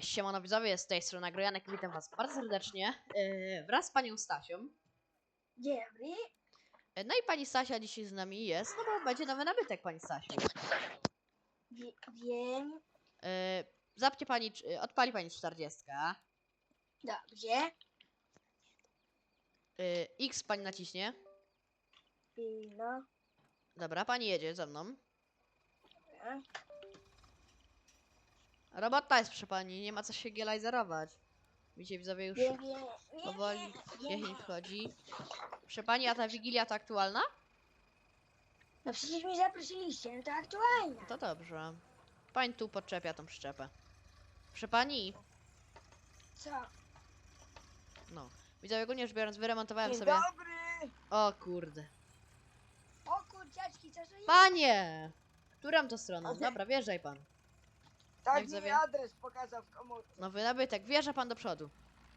Siemano widzowie, z tej strony Agrojanek i witam was bardzo serdecznie wraz z panią Stasią. Dzień dobry. No i pani Stasia dzisiaj z nami jest, no bo będzie nowy nabytek, pani Stasiu. Wiem. Zapnie pani, odpali pani 40. Dobrze. X pani naciśnie. No. Dobra, pani jedzie ze mną. Dobra. Robota jest przy pani, nie ma co się gielajzerować. Widzicie widzowie, już Wiem. powoli jesień wchodzi. Proszę pani, a ta Wigilia to aktualna? No przecież mnie zaprosiliście, no to aktualnie. To dobrze. Pani tu podczepia tą przyczepę. Proszę pani, Co? no. Widzowie, ogólnie rzecz biorąc, wyremontowałem Dzień sobie... dobry. O kurde. O kurciaczki, co to jest? Panie! Którą to stroną? Ale- Dobra, wjeżdżaj pan. Tak widzowie? mi adres pokazał w komórce. Nowy nabytek, wjeżdża pan do przodu.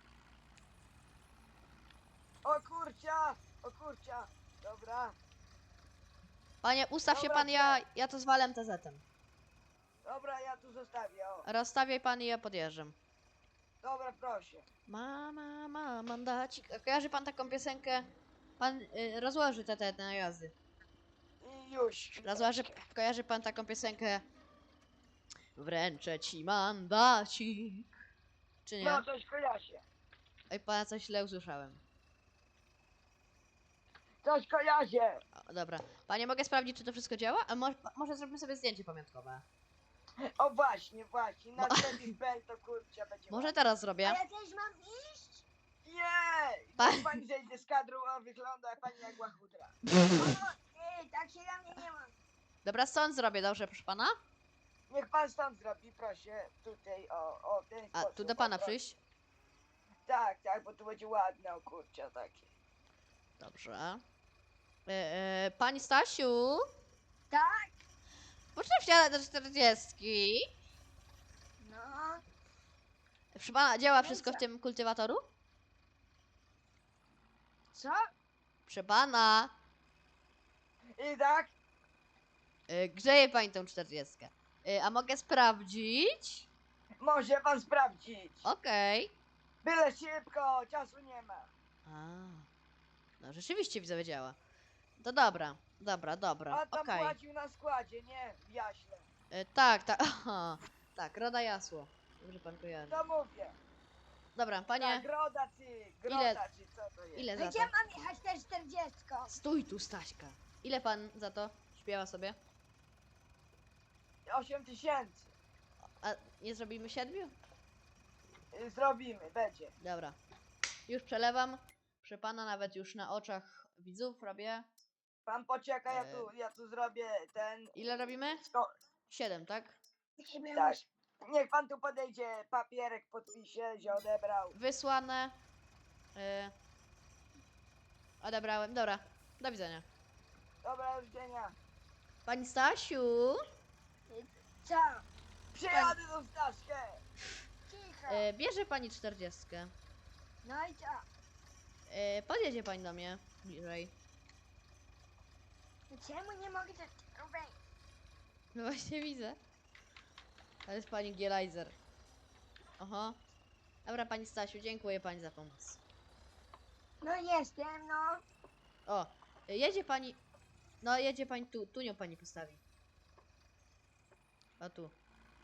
O kurcia! O kurcia! Dobra, Panie, ustaw się Dobra, pan, ja to zwalę MTZ-em. dobra, ja tu zostawię, o. Rozstawiaj pan i ja podjeżdżam. Dobra, proszę. Mama, mandacik. A kojarzy pan taką piosenkę? Pan rozłoży te najazdy. I już. Kojarzy pan taką piosenkę? Wręczę ci mandacik. Czy nie? No, coś kojarzy. Oj, pana coś źle usłyszałem. Coś kojarzy. O, dobra. Panie, mogę sprawdzić, czy to wszystko działa? A może zrobimy sobie zdjęcie pamiątkowe? O właśnie, właśnie. Na No. Steady Bell to kurcia będzie. Może teraz zrobię? A ja też mam iść? Nie! Pa- Niech pani zejdzie z kadru, a wygląda jak pani jak łachudra. Tak się na mnie nie ma. Dobra, stąd zrobię, dobrze, proszę pana? Niech pan stąd zrobi, proszę. Tutaj, o ten A sposób. tu do pana o, proszę. przyjść? Tak, tak, bo tu będzie ładne, o kurcia, takie. Dobrze. Pani Stasiu? Tak? Proszę wsiadać do 40. No. Proszę pana, działa No i wszystko w co? tym kultywatoru? Co? Proszę pana. I tak? Grzeje pani tą 40. A mogę sprawdzić? Może pan sprawdzić. Okej. Byle szybko, czasu nie ma. A. No rzeczywiście widzowie działa. To dobra, dobra, A tam okej. płacił na składzie, nie? W Jaśle. Tak, tak, aha. Tak, Roda Jasło. Dobrze pan kojarzy. To mówię. Dobra, panie, Tak, groda czy, groda czy, co to jest? ile za Gdzie to? mam jechać te 40? Stój tu, Staśka. Ile pan za to śpiewa sobie? 8000. A nie zrobimy 7? Zrobimy, będzie. Dobra. Już przelewam. Proszę pana, nawet już na oczach widzów robię. Pan poczeka, ja tu zrobię ten... Ile robimy? 7, tak? Tak. Niech pan tu podejdzie, papierek podpisze, że odebrał. Wysłane. Odebrałem. Dobra. Do widzenia. Dobra, do widzenia. Pani Stasiu, Co? Przyjadę do Staszkę. Cicho. bierze pani 40. No i co? Podjedzie pani do mnie bliżej. No czemu nie mogę tak robić? No właśnie widzę. To jest pani Gielajzer. Oho. Dobra, pani Stasiu, dziękuję pani za pomoc. No jestem, no. O, jedzie pani. No, jedzie pani tu. Tu nią pani postawi. O tu.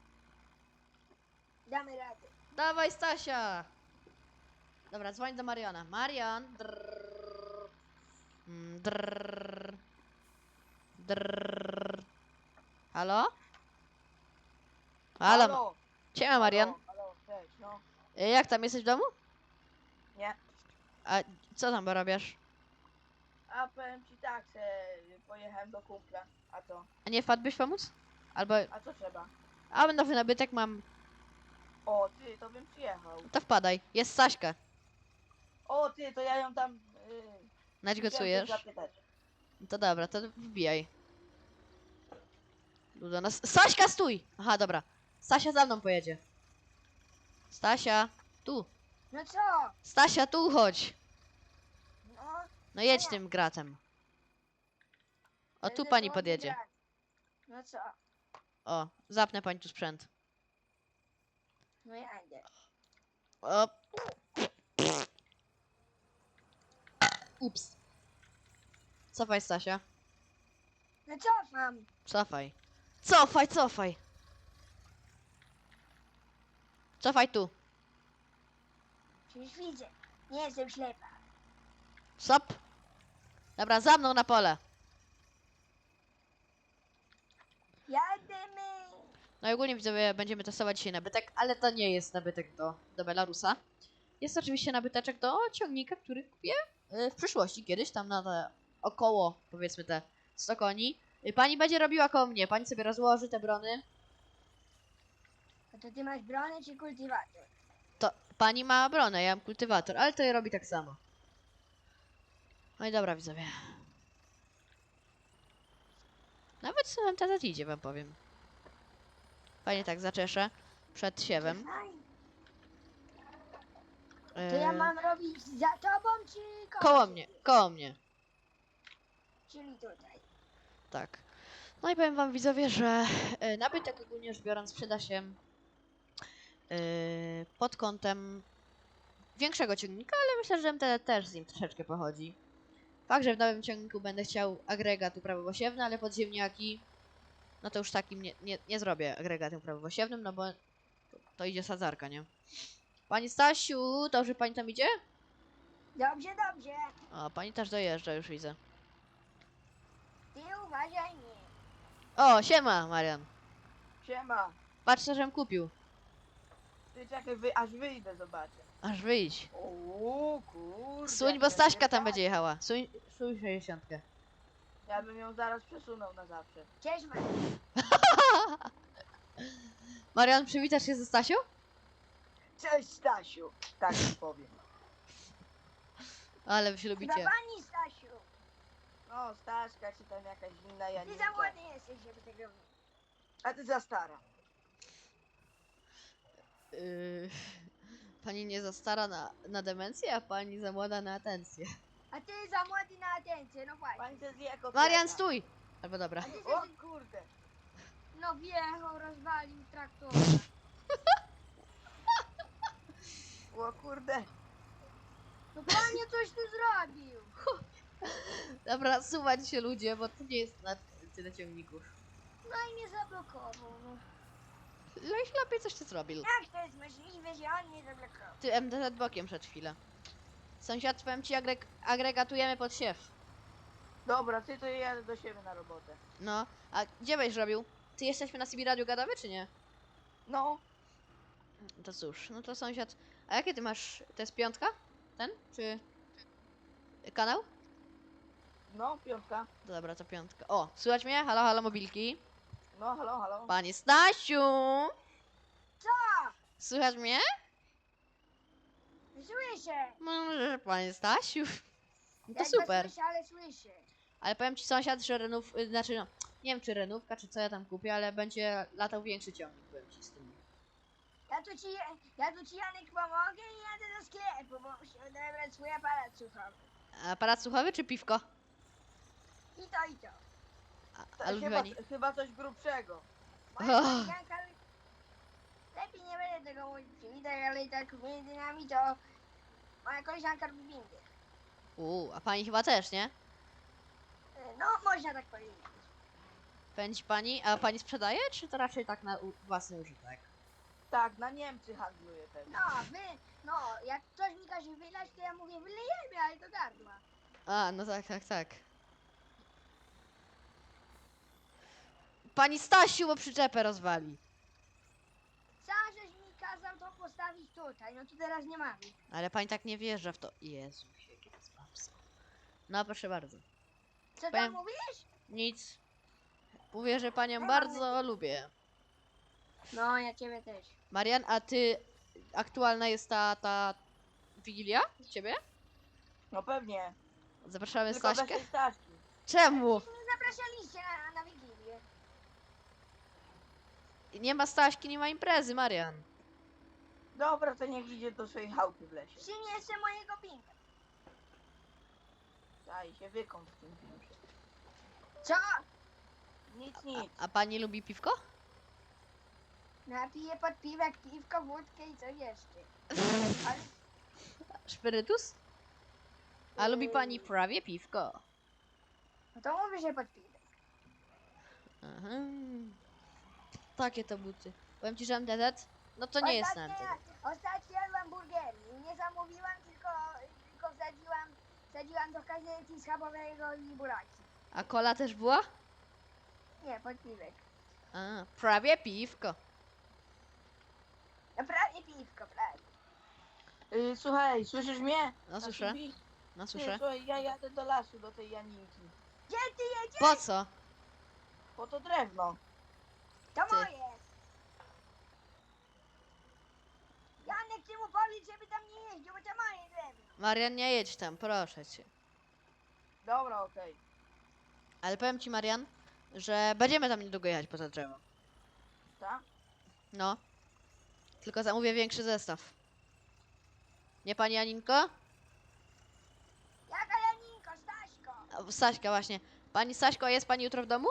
Damy radę. Dawaj, Stasia! Dobra, dzwoń do Mariana. Marian! Drrrr. Drrrr. Drrrr. Halo? Halo? Siema, Marian. Halo, cześć, no. Jak tam, jesteś w domu? Nie. A co tam robisz? A powiem ci tak, pojechałem do kumpla. A co? A nie wpadłbyś pomóc? Albo... A co trzeba? A, nowy nabytek mam. O, ty, to bym przyjechał. To wpadaj. Jest Staśka. O, ty, to ja ją tam... Naćgocujesz? chciałem cię zapytać. To dobra, to wbijaj. Tu do nas. Staśka, stój! Aha, dobra. Stasia za mną pojedzie. Stasia, tu. No co? Stasia, tu chodź. No. No jedź tym gratem. O, tu będę pani było podjedzie. grać. No co? O, zapnę pani tu sprzęt. No ja idę. O. Ups. Cofaj, Stasia. No cofam. Cofaj. Cofaj, cofaj. Cofaj tu. Przecież widzę. Nie jestem ślepa. Stop. Dobra, za mną na pole. Jademy. No i ogólnie widzowie, będziemy testować dzisiaj nabytek, ale to nie jest nabytek do Belarusa. Jest oczywiście nabyteczek do ciągnika, który kupię w przyszłości, kiedyś tam na te około, powiedzmy te 100 koni. Pani będzie robiła koło mnie, pani sobie rozłoży te brony. A to ty masz bronę czy kultywator? To pani ma bronę, ja mam kultywator, ale to je robi tak samo. No i dobra widzowie. Nawet co nam teraz idzie, wam powiem. Fajnie tak zaczeszę przed siewem. Fajnie. To ja mam robić za tobą czy Koło mnie, koło mnie. Czyli tutaj. Tak. No i powiem wam widzowie, że nabytek ogólnie rzecz biorąc przyda się pod kątem większego ciągnika, ale myślę, że MTD też z nim troszeczkę pochodzi. Fakt, że w nowym ciągniku będę chciał agregat uprawowosiewny, ale pod ziemniaki, no to już takim nie zrobię agregatem uprawowosiewnym, no bo to idzie sadzarka, nie? Pani Stasiu, dobrze pani tam idzie? Dobrze, dobrze. O, pani też dojeżdża, już widzę. Ty uważaj mnie. O, siema, Marian. Siema. Patrz, co żem kupił. Ty czekaj, aż wyjdę, zobaczę. Aż wyjdź. O kurde. Suń, bo Staśka tam będzie jechała. Suń 60. Ja bym ją zaraz przesunął na zawsze. Cześć, Maria. Marian, przywitasz się ze Stasią? Cześć Stasiu. Tak ci powiem. Ale wy się Chyba lubicie. pani Stasiu. No, Staszka czy tam jakaś inna Ty Janinka. za młody jesteś, żeby tego robić. A ty za stara. Pani nie za stara na demencję, a pani za młoda na atencję. A ty za młody na atencję, no właśnie. Pani to zje kotleta. Marian, stój! Albo dobra. A ty O se, kurde. no wjechał, rozwalił traktor. O kurde. No panie, coś ty zrobił. Dobra, suwać się ludzie, bo to nie jest na tyle ciągników. No i mnie zablokował, no. Leś lepiej coś ty zrobił. Jak to jest możliwe, że on mnie zablokował? Ty MDZ bokiem przed chwilę. Sąsiad, powiem ci, agregatujemy pod siew. Dobra, ty to jadę do siebie na robotę. No, a gdzie byś robił? Ty jesteśmy na CB Radio gadamy, czy nie? No, To cóż, no to sąsiad. A jakie ty masz? To jest piątka? Ten? Czy kanał? no, piątka. To dobra, to piątka. O, słychać mnie? Halo, halo, mobilki. No, halo, halo. Panie Stasiu! Co? Słychać mnie? Słyszę. No, panie Stasiu. No to Ledwo super. Słyszę, ale słyszę. Ale powiem ci sąsiad, że renów, znaczy no, nie wiem czy renówka, czy co ja tam kupię, ale będzie latał większy ciągnik, powiem ci z tym. Ja tu ci Janek pomogę i jadę do sklepu, bo muszę odebrać swój aparat słuchowy. Aparat słuchowy czy piwko? I to, i to. A lubi pani? Chyba coś grubszego. Moja Och. koleżanka... Lepiej nie będę tego mówić przywitać, ale i tak między nami to... Moja koleżanka lubi windy. A pani chyba też, nie? No, można tak powiedzieć. Pędzi pani, a pani sprzedaje, czy to raczej tak na własny użytek? Tak, na Niemcy handluje pewnie. No, jak ktoś mi każe wylać, to ja mówię wylejemy, ale do gardła. A, no tak, tak, tak. Pani Stasiu, bo przyczepę rozwali. Sam żeś mi kazał to postawić tutaj, no to teraz nie mamy. Ale pani tak nie wjeżdża w to. Jezu, jakie to jest babsko. No, proszę bardzo. Co tam Powiem- mówisz? Nic. Mówię, że panią bardzo lubię. No, ja ciebie też. Marian, a ty aktualna jest ta Wigilia u ciebie? No pewnie. Zapraszamy Tylko bez Staśkę? tej Staszki. Czemu? Nie zapraszaliście na Wigilię. Nie ma Staśki, nie ma imprezy, Marian. Dobra, to niech idzie do swojej chałupy w lesie. Przyniesę mojego pinka. Daj się wykąp w tym piłce. Co? Nic, nic. A pani lubi piwko? Napiję pod piwek, piwko, wódkę i coś jeszcze. Ale Szpirytus? A lubi pani prawie piwko. no to mówię, że pod piwek. Aha. Takie to buty. Powiem ci, że MTZ? No to nie jest na MTZ. Ostatnio jadłam burgery. Nie zamówiłam, tylko wsadziłam do kazielki schabowego i buraki. A kola też była? Nie, pod piwek. A, prawie piwko. No prawie piwko, prawie. Słuchaj, słyszysz mnie? No słyszę, Nasibi? no Ty, słyszę. słuchaj, ja jadę do lasu, do tej Janinki. Gdzie ty jedziesz? Po co? Po to drewno. To Ty. moje. Janek, ty mu powiedz, żeby tam nie jeździł, bo to moje drewno. Marian, nie jedź tam, proszę cię. Dobra, okej. Ale powiem ci, Marian, że będziemy tam niedługo jechać poza drzewo. Tak? No. Tylko zamówię większy zestaw. Nie pani Aninko? Jaka Janinko, Staśko? A, Staśka właśnie. Pani Staśko, a jest pani jutro w domu?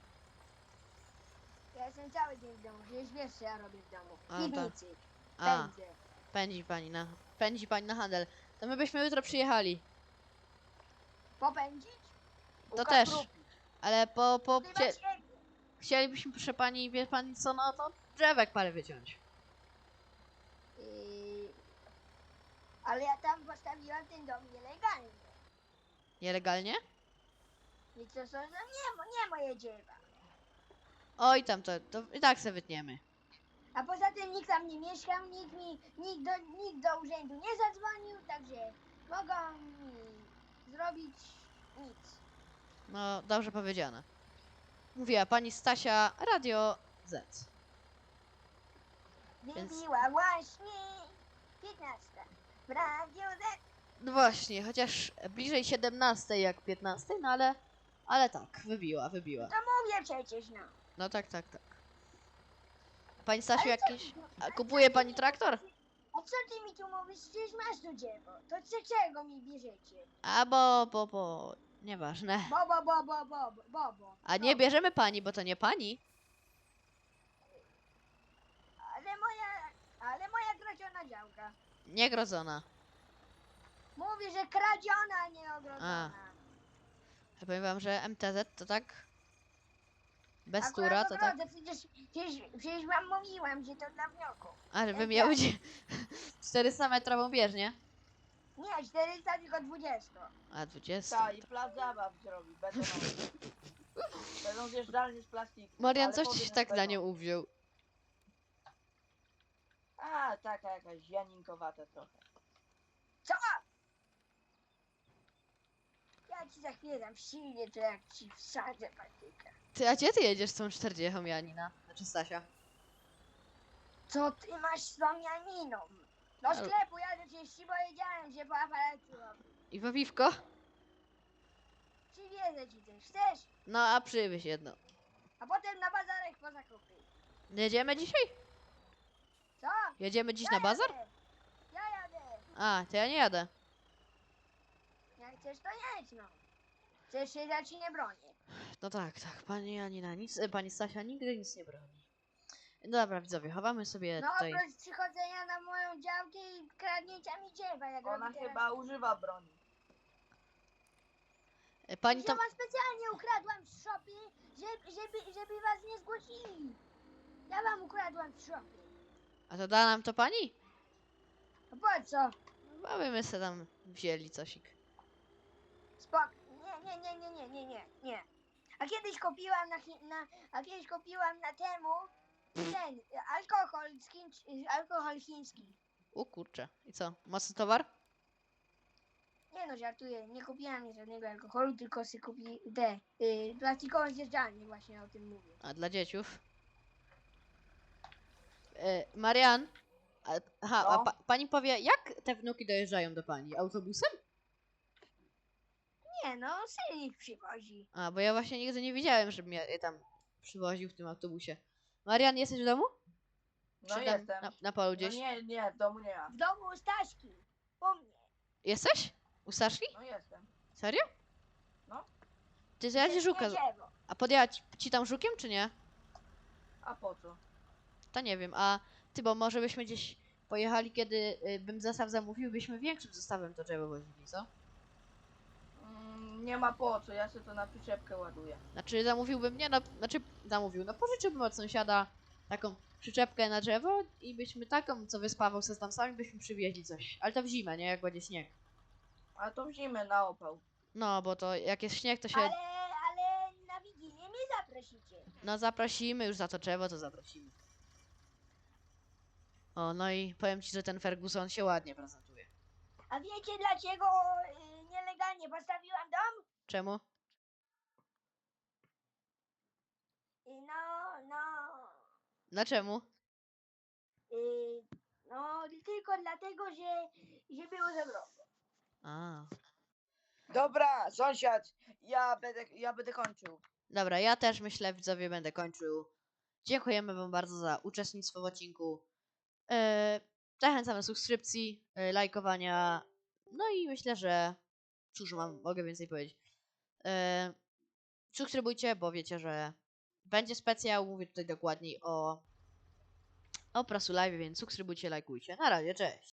Ja jestem cały dzień w domu, przecież wiesz, co ja robię w domu. A, W piwnicy. A, Pędzę. pędzi pani na handel. To my byśmy jutro przyjechali. Popędzić? To też. Ukaprupić. Ale Chyba ciebie. chcielibyśmy, proszę pani, wie pani co, no to drzewek parę wyciąć. Ale ja tam postawiłam ten dom nielegalnie. Nielegalnie? I co są, no nie moje dzieła. Oj tam, to i tak se wytniemy. A poza tym nikt tam nie mieszkał, nikt do urzędu nie zadzwonił, także mogą mi zrobić nic. No, dobrze powiedziane. Mówiła pani Stasia, Radio Z. Więc- Wybiła właśnie 15 w Radiu Z. No właśnie, chociaż bliżej 17 jak 15, no ale tak, wybiła. To mówię przecież, no. No tak. Pani Stasiu, Ale co- jakiś... A kupuje pani traktor? A co ty mi tu mówisz? Przecież masz tu dziewo. To czego mi bierzecie? A bo... Nieważne. Bobo. A nie bierzemy pani, bo to nie pani. Ale moja kradziona działka. Niegrodzona. Mówi, że kradziona, a nie ogrodzona. Ja powiem wam, że MTZ to tak... Bez Akurat tura to tak... ogrodzę, przecież wam mówiłam, że to dla wniosku. A, żeby jak miał ja. 400 metrową bieżnię. Nie, 400, tylko 20. A 20. Tak, i plac zabaw zrobi, betonowy. Będą zjeżdżalnie z plastiku. Marian, ale coś ci powiem, się że tak na będą. nią uwziął. A, taka jakaś janinkowata trochę. Co? Ja ci za chwilę dam silnie, to jak ci wsadzę patykę. Ty, a gdzie ty jedziesz z tą 40 Janina? Znaczy Stasia. Co ty masz z tą Janiną? Do Ale- sklepu jadę, przecież ci powiedziałem, że po aparacie robię. I po piwko? Przywiezę ci coś, chcesz? No, a przywieź jedno. A potem na bazarek po zakupy. Jedziemy dzisiaj? Co? Jedziemy dziś na bazar? Ja jadę. A, to ja nie jadę. Jak chcesz, to jedź, no. Chcesz się, ja ci nie bronię. No tak, pani Janina nic, pani Stasia nigdy nic nie broni. Dobra, widzowie, chowamy sobie No tutaj. oprócz przychodzenia na moją działkę i kradnięcia mi dziewa, jak Ona robi teraz. chyba używa broni. Pani tam... Ja wam specjalnie ukradłam z szopy, żeby was nie zgłosili. Ja wam ukradłam z szopy. A to da nam to pani? A po co? No, bo my se tam wzięli cosik. Spok. Nie. A kiedyś kupiłam na temu ten alkohol chiński. U kurczę. I co? Mocny towar? Nie no, żartuję. Nie kupiłam żadnego alkoholu, tylko sobie kupi te plastikową zjeżdżalnię, właśnie o tym mówię. A dla dzieciów? Marian? Aha, a No. pani powie, jak te wnuki dojeżdżają do pani? Autobusem? Nie no, syn ich przywozi. A, bo ja właśnie nigdy nie widziałem, żeby mnie je tam przywoził w tym autobusie. Marian, jesteś w domu? No Czy tam jestem. na polu No gdzieś? nie, w domu nie ma. W domu u Staśki. U mnie. Jesteś? U Saszki? No jestem. Serio? No. Ty, to ja ci Nie żuka... drzewo. A podjęła ci tam żukiem, czy nie? A po co? To nie wiem, a ty, bo może byśmy gdzieś pojechali, kiedy bym zestaw zamówił, byśmy większym zestawem to drzewo wozili, co? Nie ma po co, ja sobie to na przyczepkę ładuję. Znaczy zamówiłbym, nie no, no pożyczyłbym od sąsiada taką przyczepkę na drzewo i byśmy taką, co wyspawał se tam sami, byśmy przywieźli coś. Ale to w zimę, nie? Jak będzie śnieg. A to w zimę na opał. No, bo to jak jest śnieg, to się... Ale na Wigilię mnie zaprosicie. No zaprosimy już za to drzewo, to zaprosimy. O, no i powiem ci, że ten Ferguson się ładnie prezentuje. A wiecie dlaczego nielegalnie postawiłam dom? Czemu? No, Dlaczemu? no tylko dlatego, że było za wrogo. A. Dobra, sąsiad, ja będę kończył. Dobra, ja też myślę, widzowie, będę kończył. Dziękujemy wam bardzo za uczestnictwo w odcinku. Zachęcam do subskrypcji, lajkowania. No i myślę, że... Cóż mogę więcej powiedzieć. Subskrybujcie, bo wiecie, że będzie specjał. Mówię tutaj dokładniej o Prasu Live, więc subskrybujcie, lajkujcie. Na razie, cześć.